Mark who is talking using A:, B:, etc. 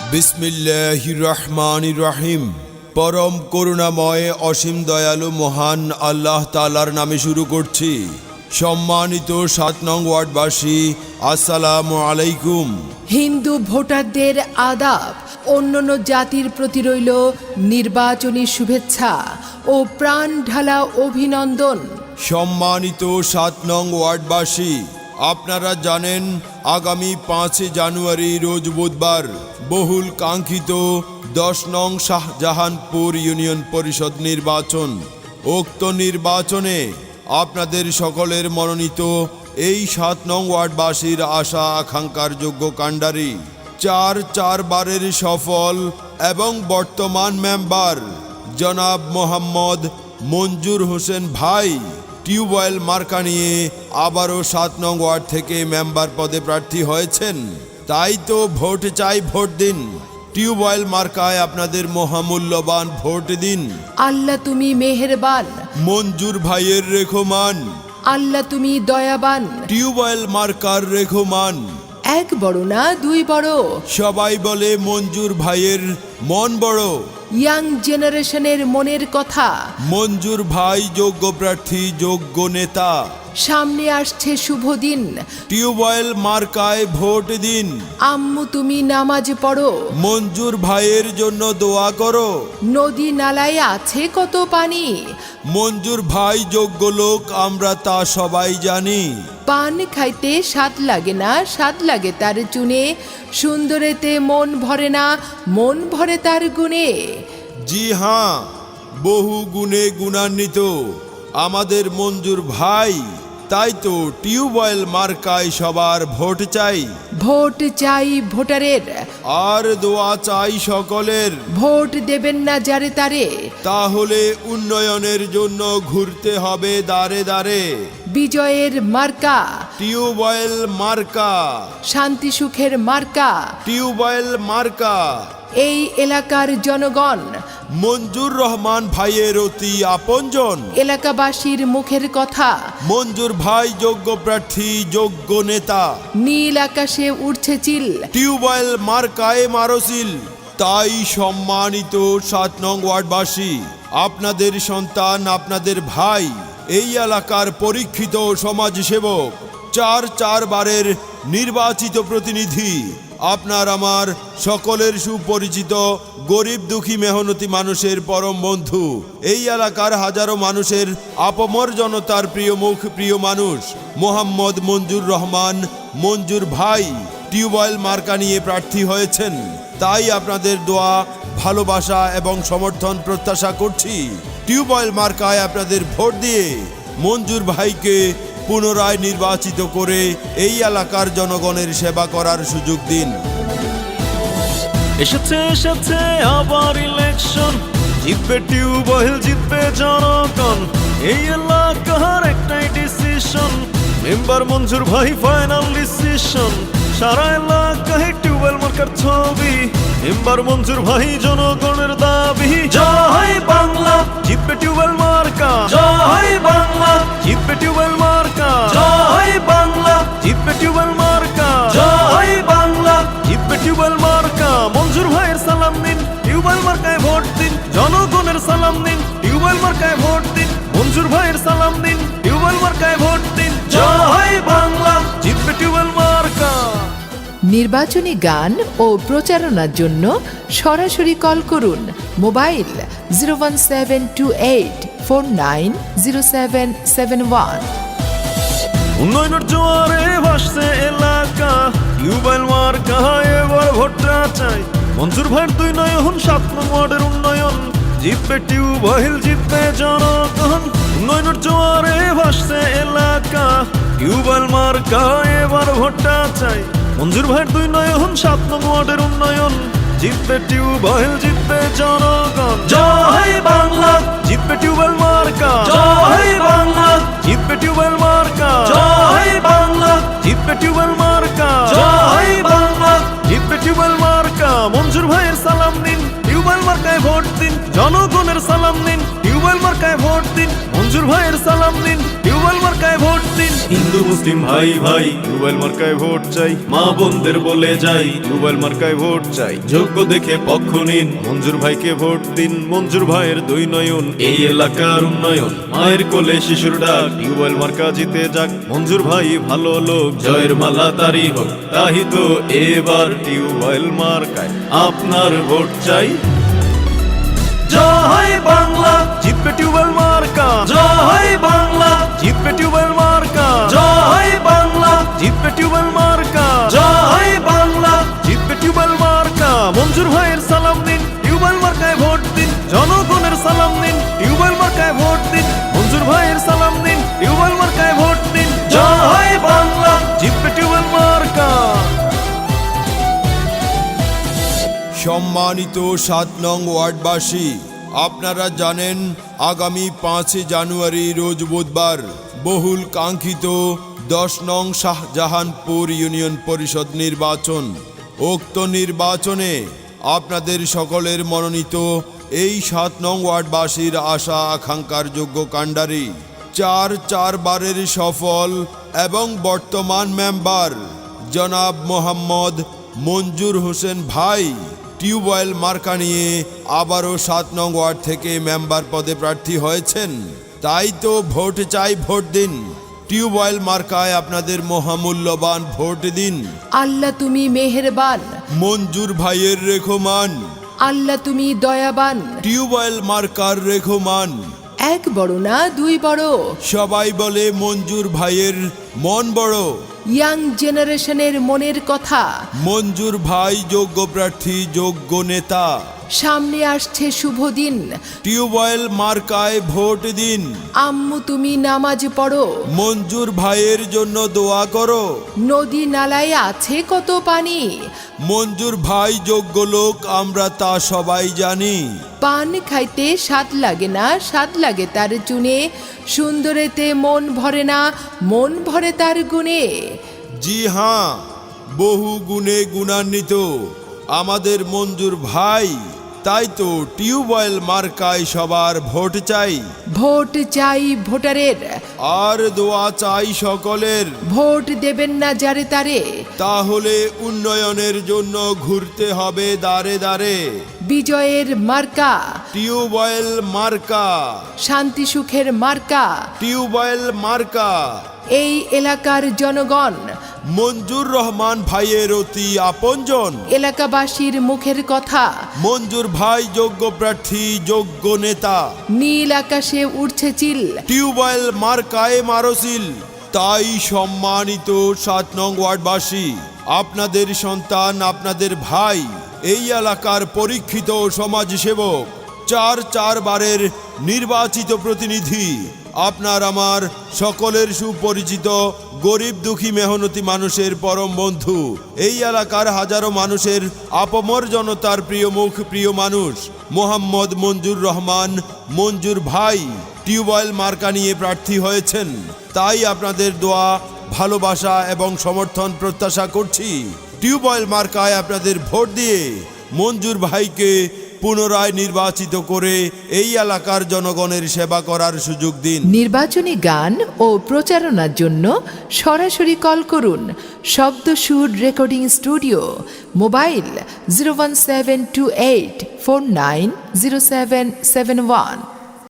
A: বিসমিল্লাহির রহমানির রহিম। পরম করুণাময় অসীম দয়ালু মহান আল্লাহ তাআলার নামে শুরু করছি। সম্মানিত ৭ নং ওয়ার্ডবাসী, আসসালামু আলাইকুম।
B: হিন্দু ভোটারদের আদাব, অন্যান্য জাতির প্রতি রইল নির্বাচনী শুভেচ্ছা ও প্রাণ ঢালা অভিনন্দন।
A: সম্মানিত ৭ নং ওয়ার্ডবাসী, আপনারা জানেন আগামী ৫ জানুয়ারি রোজ বুধবার বহুল কাঙ্ক্ষিত ১০ নং শাহজাহানপুর ইউনিয়ন পরিষদ নির্বাচন। উক্ত নির্বাচনে আপনাদের সকলের মনোনীত এই ৭ নং ওয়ার্ডবাসীর আশা আকাঙ্ক্ষার যোগ্য কাণ্ডারি, চার বারের সফল এবং বর্তমান মেম্বার জনাব মোহাম্মদ মঞ্জুর হোসেন ভাই টিউবওয়েল মার্কা নিয়ে আবারও ৭ নং ওয়ার্ড থেকে মেম্বার পদে প্রার্থী হয়েছেন। তাই তো ভোট চাই, ভোট দিন। টিউবওয়েল মার্কায় আপনাদের মহামূল্যবান ভোট দিন।
B: আল্লাহ তুমি মেহেরবান,
A: মঞ্জুর ভাইয়ের রেখমান।
B: আল্লাহ তুমি দয়াবান,
A: টিউবওয়েল মার্কার রেখমান।
B: এক বড় না দুই বড়,
A: সবাই বলে মঞ্জুর ভাইয়ের মন বড়।
B: ইয়াং জেনারেশনের মনের কথা।
A: মঞ্জুর ভাই যোগ্য প্রার্থী, যোগ্য নেতা।
B: সামনে আসছে শুভ দিন,
A: টিউবওয়েল মার্কায় ভোট দিন।
B: আম্মু তুমি নামাজ পড়ো,
A: মঞ্জুর ভাইয়ের জন্য দোয়া করো।
B: নদী নালায় আছে কত পানি,
A: মঞ্জুর ভাই যোগ্য লোক, আমরা তা সবাই জানি।
B: পান খাইতে স্বাদ লাগে না, স্বাদ লাগে তার চুনে। সুন্দরেতে মন ভরে না, মন ভরে তার গুণে।
A: জি হ্যাঁ, বহু গুণে গুণান্বিত আমাদের মঞ্জুর ভাই। তাই তো টিউবওয়েল মার্কায় সবার ভোট চাই।
B: ভোট চাই ভোটারের,
A: আর দোয়া চাই সকলের।
B: ভোট দেবেন না যারে তারে,
A: তাহলে উন্নয়নের জন্য ঘুরতে হবে দাঁড়ে দাঁড়ে।
B: বিজয়ের মার্কা,
A: টিউবওয়েল মার্কা,
B: শান্তি সুখের মার্কা।
A: টিউবওয়েল মার্কা।
B: এই এলাকার জনগণ
A: মঞ্জুর রহমান ভাইয়ের অতি আপনজন।
B: এলাকাবাসীর মুখের কথা।
A: মঞ্জুর ভাই যোগ্য প্রার্থী, যোগ্য নেতা।
B: নীল আকাশে উঠছে চিল,
A: টিউবওয়েল মার্কায় মারসিল। তাই সম্মানিত ৭ নং ওয়ার্ডবাসী, আপনাদের সন্তান, আপনাদের ভাই, এই এলাকার পরীক্ষিত সমাজসেবক, চার বারের নির্বাচিত প্রতিনিধি, আপনার আমার সকলের সুপরিচিত গরিব দুঃখী মেহনতি মানুষের পরম বন্ধু, এই এলাকার হাজারো মানুষের আপমর জনতার প্রিয় মুখ, প্রিয় মানুষ মোহাম্মদ মঞ্জুর রহমান মঞ্জুর ভাই টিউবওয়েল মার্কা নিয়ে প্রার্থী হয়েছেন। তাই আপনাদের দোয়া, ভালোবাসা এবং সমর্থন প্রত্যাশা করছি। টিউবওয়েল মার্কায় আপনাদের ভোট দিয়ে মঞ্জুর ভাইকে পুনরায় নির্বাচিত করে এই এলাকার জনগণের সেবা করার সুযোগ দিন।
C: এসেছে আবার ইলেকশন, জিতবে টিউবওয়েল, জিতবে জনগণ। এই এলাকার একটাই ডিসিশন, মেম্বার মঞ্জুর ভাই ফাইনাল ডিসিশন। সারা এলাকায় টিউবওয়েল মার্কার ছবি, মেম্বার মঞ্জুর ভাই জনগণের দাবি। জয় বাংলা, জিতবে টিউবওয়েল মার্কা। জয় বাংলা, জিতবে টিউবওয়েল মার্কা। জয় বাংলা, জিতবে টিউবওয়েল মার্কা। জয় বাংলা, জিতবে টিউবওয়েল মার্কা। মঞ্জুর ভাইয়ের সালাম দিন, টিউবওয়েল মার্কায় ভোট দিন। জনগণের সালাম দিন, টিউবওয়েল মার্কায় ভোট দিন। মঞ্জুর ভাইয়ের সালাম দিন, টিউবওয়েল মার্কায় ভোট দিন। জয় বাংলা, জিতবে টিউবওয়েল মার্কা।
B: নির্বাচনী গান ও প্রচারণার জন্য সরাসরি কল করুন মোবাইল 01728490771।
C: উন্নয়নের জোয়ারে ভাসছে এলাকা, টিউবওয়েল মার্কা এবার ভোটটা চাই। মঞ্জুর ভাইয়ের ২ নয়ন ৭ নং ওয়ার্ডের উন্নয়ন, জিতবে টিউবওয়েল, জিতবে জনগণ। উন্নয়নের জোয়ারে ভাসছে এলাকা, টিউবওয়েল মার্কা এবার ভোটটা চাই। মঞ্জুর ভাইয়ের ২ নয়ন ৭ নং ওয়ার্ডের উন্নয়ন, জিতবে টিউবওয়েল, জিতবে জনগণ। জয় বাংলা, জিতবে টিউবওয়েল মার্কা। জয় বাংলা, জিতবে টিউবওয়েল মার্কা। জয় বাংলা, জিতবে টিউবওয়েল মার্কা। জয় বাংলা, জিতবে টিউবওয়েল মার্কা। মঞ্জুর ভাইয়ের সালাম দিন, টিউবওয়েল মার্কায় ভোট দিন। জনগণের সালাম দিন, টিউবওয়েল মার্কায় ভোট দিন, মঞ্জুর ভাইয়ের সালাম দিন, টিউবওয়েল মার্কায় ভোট দিন। হিন্দু মুসলিম ভাই ভাই টিউবওয়েল মার্কায় ভোট চাই, মা বোনদের বলে যাই টিউবওয়েল মার্কায় ভোট চাই। যোগ্য দেখে পক্ষ নিন, মঞ্জুর ভাইকে ভোট দিন, মঞ্জুর ভাইয়ের দুই নয়ন এই এলাকার উন্নয়ন। মায়ের কোলে শিশুর ডাক, টিউবওয়েল মার্কা জিতে যাক, মঞ্জুর ভাই ভালো লোক, জয়ের মালা তারি হোক। তাই তো এবার টিউবওয়েল মার্কায় আপনার ভোট চাই। জয় বাংলা, জিতবে টিউবওয়েল মার্কা। জয় বাংলা, জিতবে টিউবওয়েল মার্কা। জয় বাংলা, জিতবে টিউবওয়েল মার্কা। জয় বাংলা, জিতবে টিউবওয়েল মার্কা। মঞ্জুর ভাইয়ের সালাম দিন, টিউবওয়েল মার্কায় ভোট দিন, জনগণের সালাম দিন, টিউবওয়েল মার্কায় ভোট দিন, মঞ্জুর ভাইয়ের সালাম দিন, টিউবওয়েল মার্কায় ভোট দিন। জয় বাংলা, জিতবে টিউবওয়েল মার্কা।
A: সম্মানিত 7 নং ওয়ার্ডবাসী, আপনারা জানেন আগামী 5 জানুয়ারি রোজ বুধবার বহুল কাঙ্ক্ষিত 10 নং শাহজাহানপুর ইউনিয়ন পরিষদ নির্বাচন। উক্ত নির্বাচনে আপনাদের সকলের মনোনীত এই 7 নং ওয়ার্ডবাসীর আশা আকাঙ্ক্ষার যোগ্য কাণ্ডারি 4 বারের সফল এবং বর্তমান মেম্বার জনাব মোহাম্মদ মঞ্জুর হোসেন ভাই টিউবওয়েল মার্কা নিয়ে আবারও 7 নং ওয়ার্ড থেকে মেম্বার পদে প্রার্থী হয়েছেন। তাই তো ভোট চাই, ভোট দিন, টিউবওয়েল মার্কায় আপনাদের মহামূল্যবান ভোট দিন।
B: আল্লাহ তুমি মেহেরবান,
A: মঞ্জুর ভাইয়ের রেখমান,
B: আল্লাহ তুমি দয়াবান।
A: টিউবওয়েল মার্কার রেখমান।
B: এক বড় না দুই বড়,
A: সবাই বলে মঞ্জুর ভাইয়ের মন বড়।
B: ইয়াং জেনারেশনের মনের কথা।
A: মঞ্জুর ভাই যোগ্য প্রার্থী, যোগ্য নেতা।
B: সামনে আসছে শুভ দিন,
A: টিউবওয়েল মার্কায় ভোট দিন।
B: আম্মু তুমি নামাজ পড়ো,
A: মঞ্জুর ভাইয়ের জন্য দোয়া করো।
B: নদী নালায় আছে কত পানি,
A: মঞ্জুর ভাই যোগ্য লোক, আমরা তা সবাই জানি।
B: পান খাইতে স্বাদ লাগে না, স্বাদ লাগে তার চুনে, সুন্দরেতে মন ভরে না, মন ভরে তার গুণে।
A: জি হ্যাঁ, বহু গুণে গুণান্বিত আমাদের মঞ্জুর ভাই। তাই তো টিউবওয়েল মার্কায় সবার ভোট চাই।
B: ভোট চাই ভোটারের,
A: আর দোয়া চাই সকলের।
B: ভোট দেবেন না যারে তারে,
A: তাহলে উন্নয়নের জন্য ঘুরতে হবে দাঁড়ে দাঁড়ে।
B: বিজয়ের মার্কা,
A: টিউবওয়েল মার্কা,
B: শান্তি সুখের মার্কা।
A: টিউবওয়েল মার্কা।
B: এই এলাকার জনগণ
A: মঞ্জুর রহমান ভাইয়ের অতি আপনজন।
B: এলাকাবাসীর মুখের কথা,
A: মঞ্জুর ভাই যোগ্য প্রার্থী, যোগ্য নেতা।
B: নীল আকাশে উঠছে চিল,
A: টিউবওয়েল মার্কায় মারসিল। তাই সম্মানিত 7 নং ওয়ার্ডবাসী, আপনাদের সন্তান, আপনাদের ভাই, এই এলাকার পরীক্ষিত সমাজসেবক, 4 বারের নির্বাচিত প্রতিনিধি, আপনার আমার সকলের সুপরিচিত গরিব দুঃখী মেহনতি মানুষের পরম বন্ধু, এই এলাকার হাজারো মানুষের আপমর জনতার প্রিয় মুখ, প্রিয় মানুষ মোহাম্মদ মঞ্জুর রহমান মঞ্জুর ভাই টিউবওয়েল মার্কা নিয়ে প্রার্থী হয়েছেন। তাই আপনাদের দোয়া, ভালোবাসা এবং সমর্থন প্রত্যাশা করছি। টিউবওয়েল মার্কায় আপনাদের ভোট দিয়ে মঞ্জুর ভাইকে পুনরায় নির্বাচিত করে এই এলাকার জনগণের সেবা করার সুযোগ দিন।
B: নির্বাচনী গান ও প্রচারণার জন্য সরাসরি কল করুন শব্দ সুর রেকর্ডিং স্টুডিও, মোবাইল 01728490771।